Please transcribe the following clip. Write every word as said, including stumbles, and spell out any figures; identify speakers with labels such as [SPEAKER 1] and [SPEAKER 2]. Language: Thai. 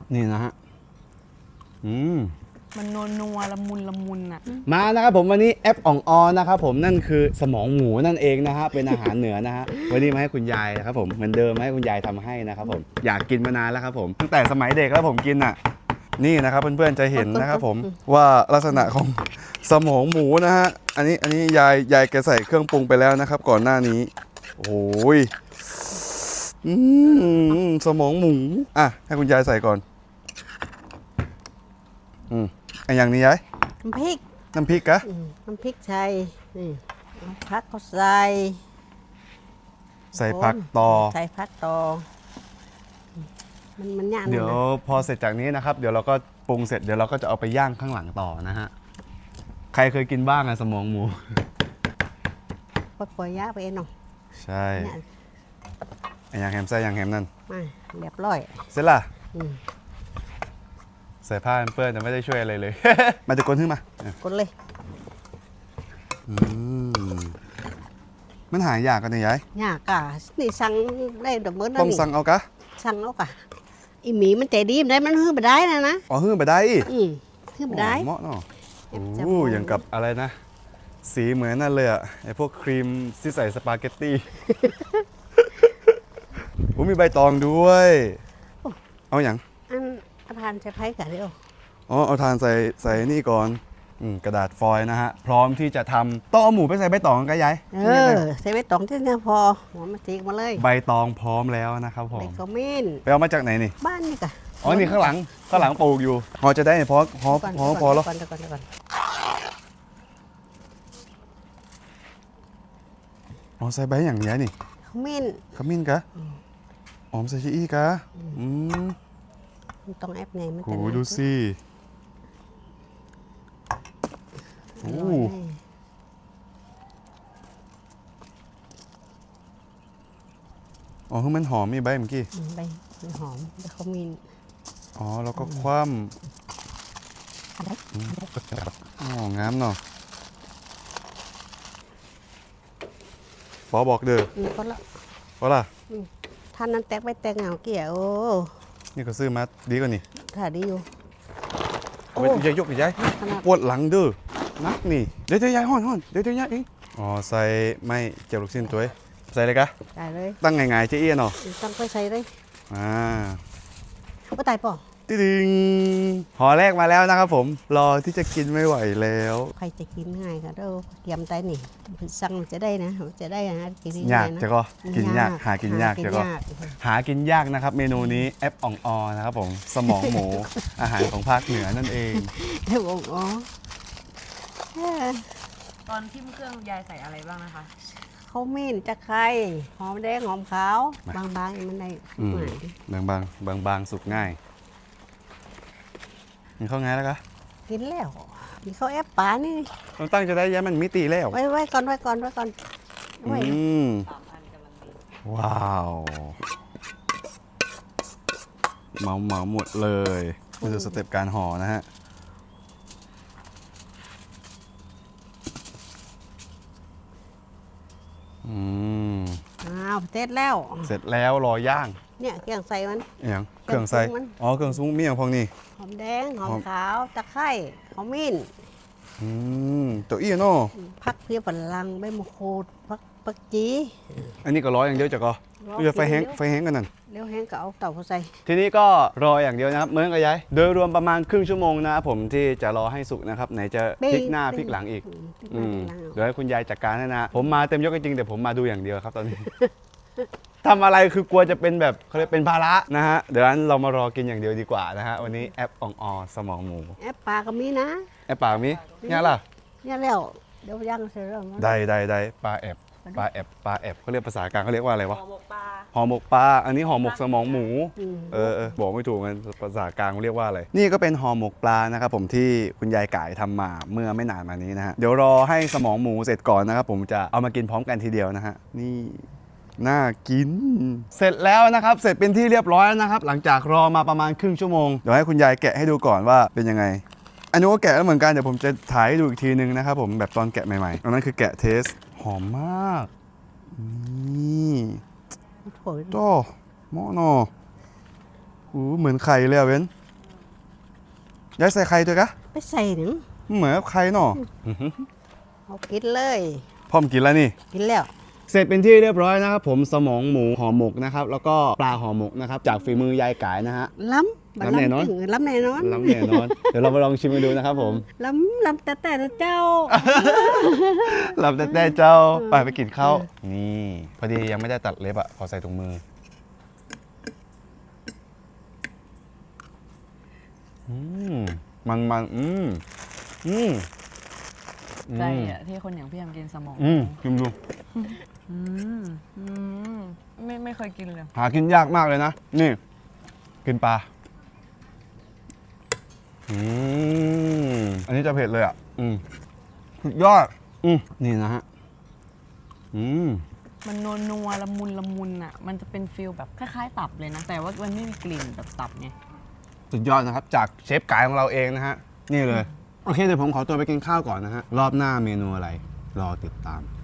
[SPEAKER 1] นี่นะฮะอืม
[SPEAKER 2] มันนัวนัวละมุนละมุนอ่ะ
[SPEAKER 1] มานะครับผมวันนี้แอปอ่องออนะครับผมนั่นคือสมองหมูนั่นเองนะฮะเป็นอาหารเหนือนะฮะวันนี้มาให้คุณยายนะครับผมเหมือนเดิมมาให้คุณยายทำให้นะครับผมอยากกินมานานแล้วครับผมตั้งแต่สมัยเด็กแล้วผมกินอ่ะนี่นะครับเพื่อนๆจะเห็นนะครับผมว่าลักษณะของสมองหมูนะฮะอันนี้อันนี้ยายยายแกใส่เครื่องปรุงไปแล้วนะครับก่อนหน้านี้โอ้ยอืมสมองหมูอ่ะให้คุณยายใส่ก่อนอืมไอ้อย่างนี้ยาย
[SPEAKER 3] น้ำพริก
[SPEAKER 1] น้ำพริกกะ
[SPEAKER 3] น้ำพริกไทยนี่ผักก็ใส่
[SPEAKER 1] ใส่ผักต่อ
[SPEAKER 3] ใส่ผักต่อมันมันยาก
[SPEAKER 1] เดี๋ยวพอเสร็จจากนี้นะครับเดี๋ยวเราก็ปรุงเสร็จเดี๋ยวเราก็จะเอาไปย่างข้างหลังต่อนะฮะใครเคยกินบ้างอะสมองหมู
[SPEAKER 3] ปล่อยยาไปเองเนาะ
[SPEAKER 1] ใช่ไอ้ยางแฮมใส่ยางแฮมนั่น
[SPEAKER 3] มาเรียบร้อย
[SPEAKER 1] เสร็จละใส่ผ้าเปื้อนแต่ไม่ได้ช่วยอะไรเลย มาจะกลนขึ้นมาก
[SPEAKER 3] ลเลย
[SPEAKER 1] มันหายากกันเนี่ยยาย
[SPEAKER 3] ยากกะนี่สั่งได้ดอกเบิ้ล
[SPEAKER 1] ต้องสั่งเอากะ
[SPEAKER 3] สั่งเอากะอีหมีมันใจดีมันได้มันฮื้อไปได้นะนะ
[SPEAKER 1] อ๋อฮื้อไปได้
[SPEAKER 3] อืมฮื้อไปได้
[SPEAKER 1] เหมาะเนาะโอ้อย่างกับอะไรนะสีเหมือนนั่นเลยอะไอพวกครีมที่ใส่สปาเกตตี้โอ้มีใบตองด้วยเอาอย่าง
[SPEAKER 3] อันอาทานใช้ไผ่กะเดียว
[SPEAKER 1] อ๋อเอาทานใส่ใส่นี่ก่อนกระดาษฟอยล์นะฮะพร้อมที่จะทำต้องเอาหมูไปใส่ใบตองกันยาย
[SPEAKER 3] เออใส่ใบตองที่นี่พอหัวมาตีมาเลย
[SPEAKER 1] ใบตองพร้อมแล้วนะครับผม
[SPEAKER 3] ใบขมิ้น
[SPEAKER 1] ไปเอามาจากไหนนี่
[SPEAKER 3] บ้านนี่กะ
[SPEAKER 1] อ๋อนี่ข้างหลังข้างหลังปลูกอยู่พอจะได้พอพอพอพอแล้ว
[SPEAKER 3] ก่อนก่อนก่อน
[SPEAKER 1] อ๋อใส่ใบอย่างนี้นี่
[SPEAKER 3] ขมิ้น
[SPEAKER 1] ขมิ้นกะอ๋อใส่ชีอีกะอืม
[SPEAKER 3] ต้องแอปไงมัน
[SPEAKER 1] โอ้ดูสิโอ้อ๋อคือมันหอมมีใบเมื่อกี้
[SPEAKER 3] ใบมันหอมใบขมิ้น
[SPEAKER 1] อ๋อแล้วก็คว่ำอ๋องามเนาะพอบอกเด้อ
[SPEAKER 3] พอละ
[SPEAKER 1] พอละ
[SPEAKER 3] ท่านนั้นแตกไปแตกเหงาเกี่ยว
[SPEAKER 1] นี่ก็ซื้อมาดีกว่านี่
[SPEAKER 3] ถ่ายดีอยู่
[SPEAKER 1] โอ้ยยายยกยายปวดหลังเด้อนักนี่เดี๋ยวเดี๋ยวยายห่อนห่อนเดี๋ยวเดี๋ยวยายเองอ๋อใส่ไม่เจียวลูกชิ้นตัวใส่เลยกะ
[SPEAKER 3] ใส่เลย
[SPEAKER 1] ตั้งไงๆเจ๊เอี้ยเนาะ
[SPEAKER 3] ตั้งไปใส่เลย
[SPEAKER 1] อ่า
[SPEAKER 3] ก็ตายป่ะ
[SPEAKER 1] ติ๊งห่อแรกมาแล้วนะครับผมรอที่จะกินไม่ไหวแล้ว
[SPEAKER 3] ใครจะกินง่ายก็เด้อเกียมไตนี่สั่งจะได้นะจะได้นะกิน
[SPEAKER 1] ยากจะก็กินยากหากินยากจะก็หากินยากนะครับเมนูนี้แอปอ่องออนะครับผมสมองหมูอาหารของภาคเหนือนั่นเอง
[SPEAKER 3] แอปอ่องออ
[SPEAKER 2] ตอนทิ่มเครื่องยายใส่อะไรบ้างนะคะ
[SPEAKER 3] ข้าวมิ้นตะไคร้หอมแดงหอมขาวบางๆมันได้
[SPEAKER 1] บางบางบางบางสุกง่ายมีข้าวง่ายแล้วกะ
[SPEAKER 3] กินแล้วมีข้าวแอปป่านี่
[SPEAKER 1] ต้องตั้งจะได้ย้ายมันมิติแล้ว
[SPEAKER 3] ไว้ไว้ก่อนไว้ก่อนไว้ก่อน
[SPEAKER 1] อืมว้าวเมาเมาหมดเลยนี่คือสเต็ปการห่อนะฮะอืม
[SPEAKER 3] อ้าวเสร็จแล้ว
[SPEAKER 1] เสร็จแล้วรอย่าง
[SPEAKER 3] เนี่ยเครื่องใส่มัน
[SPEAKER 1] อย่างเครื่องใส่อ๋อเครื่องซุ้มมีอย่างพองนี่
[SPEAKER 3] หอมแดงหอมขาวตะไคร้ขมิ้น
[SPEAKER 1] อืมตัวอี้เนาะ
[SPEAKER 3] ผักเพียบลังใบมะกรูดผักผักจี
[SPEAKER 1] อันนี้ก็ร้อยอย่างเดียวจ้ะก็จะไฟแห้งไฟแห้งกันนั่น
[SPEAKER 3] เลี้ยวแห้งก็เอาเต่าเขาใส่
[SPEAKER 1] ทีนี้ก็รออย่างเดียวนะครับเหมือนกับยายโดยรวมประมาณครึ่งชั่วโมงนะครับผมที่จะรอให้สุกนะครับไหนจะพลิกหน้าพลิกหลังอีกเดี๋ยวให้คุณยายจัดการให้นะผมมาเต็มยกจริงแต่ผมมาดูอย่างเดียวครับตอนนี้ทำอะไรคือกลัวจะเป็นแบบเขาเรียกเป็นภาระนะฮะเดี๋ยวนั้นเรามารอกินอย่างเดียวดีกว่านะฮะวันนี้แอปอ่องออสมองหมู
[SPEAKER 3] แอปปลาก็มีนะ
[SPEAKER 1] แอปปลามีเนี่ยล่ะ
[SPEAKER 3] เนี่ยแล้วเดี๋ยวย่างเสร็จแล้ว
[SPEAKER 1] ได้ได้ได้ปลาแอบปลาแอบปลาแอบเขาเรียกภาษากลางเขาเรียกว่าอะไรวะห่อหมกปลาห่อหมกปลาอันนี้ห่อหมกสมองหมูเออเออบอกไม่ถูกกันภาษากลางเรียกว่าอะไรนี่ก็เป็นห่อหมกปลานะครับผมที่คุณยายก่ายทำมาเมื่อไม่นานมานี้นะฮะเดี๋ยวรอให้สมองหมูเสร็จก่อนนะครับผมจะเอามากินพร้อมกันทีเดียวนะฮะนี่น่ากินเสร็จแล้วนะครับเสร็จเป็นที่เรียบร้อยแล้วนะครับหลังจากรอมาประมาณครึ่งชั่วโมงเดี๋ยวให้คุณยายแกะให้ดูก่อนว่าเป็นยังไงอันนี้ก็แกะแล้วเหมือนกันเดี๋ยวผมจะถ่ายให้ดูอีกทีนึงนะครับผมแบบตอนแกะใหม่ๆอันนั้นคือแกะเทสหอมมากนี่โต้หม้อเนาะอู้เหมือนไข่เลยอ่ะเว้นยายใส่ไข่ด้วยกะ
[SPEAKER 3] ไปใส่หนึ่ง
[SPEAKER 1] เหมือนกับไข่เนาะ
[SPEAKER 3] เอากินเลย
[SPEAKER 1] พร้อมกินแล้วนี่
[SPEAKER 3] กินแล้ว
[SPEAKER 1] เสร็จเป็นที่เรียบร้อยนะครับผมสมองหมูห่อหมกนะครับแล้วก็ปลาห่อหมกนะครับจากฝีมือยายกายนะฮะ
[SPEAKER 3] ล้ำ
[SPEAKER 1] ล้ำแน่นอน
[SPEAKER 3] ถึงล้ำแน่นอน
[SPEAKER 1] ล้ำแน่นอน เดี๋ยวเรามาลองชิมกันดูนะครับผม
[SPEAKER 3] ล้ำล้ำแต่แต่เจ้า
[SPEAKER 1] หลับแต่แต่เจ้าไปไปกินข้าวนี่พอดียังไม่ได้ตัดเล็บอ่ะขอใส่ถุงมืออืมมันมันอืมอืม
[SPEAKER 2] ใจอ่ะที่คนอย่างพี่แอมกินสมอง
[SPEAKER 1] อืมชิมดู
[SPEAKER 2] อืมอืมไม่ไม่เคยกินเลย
[SPEAKER 1] หากินยากมากเลยนะนี่กินปลาอืมอันนี้จะเผ็ดเลยอ่ะอืมสุดยอดอืมนี่นะฮะอืม
[SPEAKER 2] มันนัวนัวละมุนละมุนอ่ะมันจะเป็นฟิลแบบคล้ายๆตับเลยนะ แต่ว่ามันไม่มีกลิ่นแบบตับไง
[SPEAKER 1] สุดยอดนะครับจากเชฟกายของเราเองนะฮะนี่เลยโอเคเดี๋ยวผมขอตัวไปกินข้าวก่อนนะฮะรอบหน้าเมนูอะไรรอติดตาม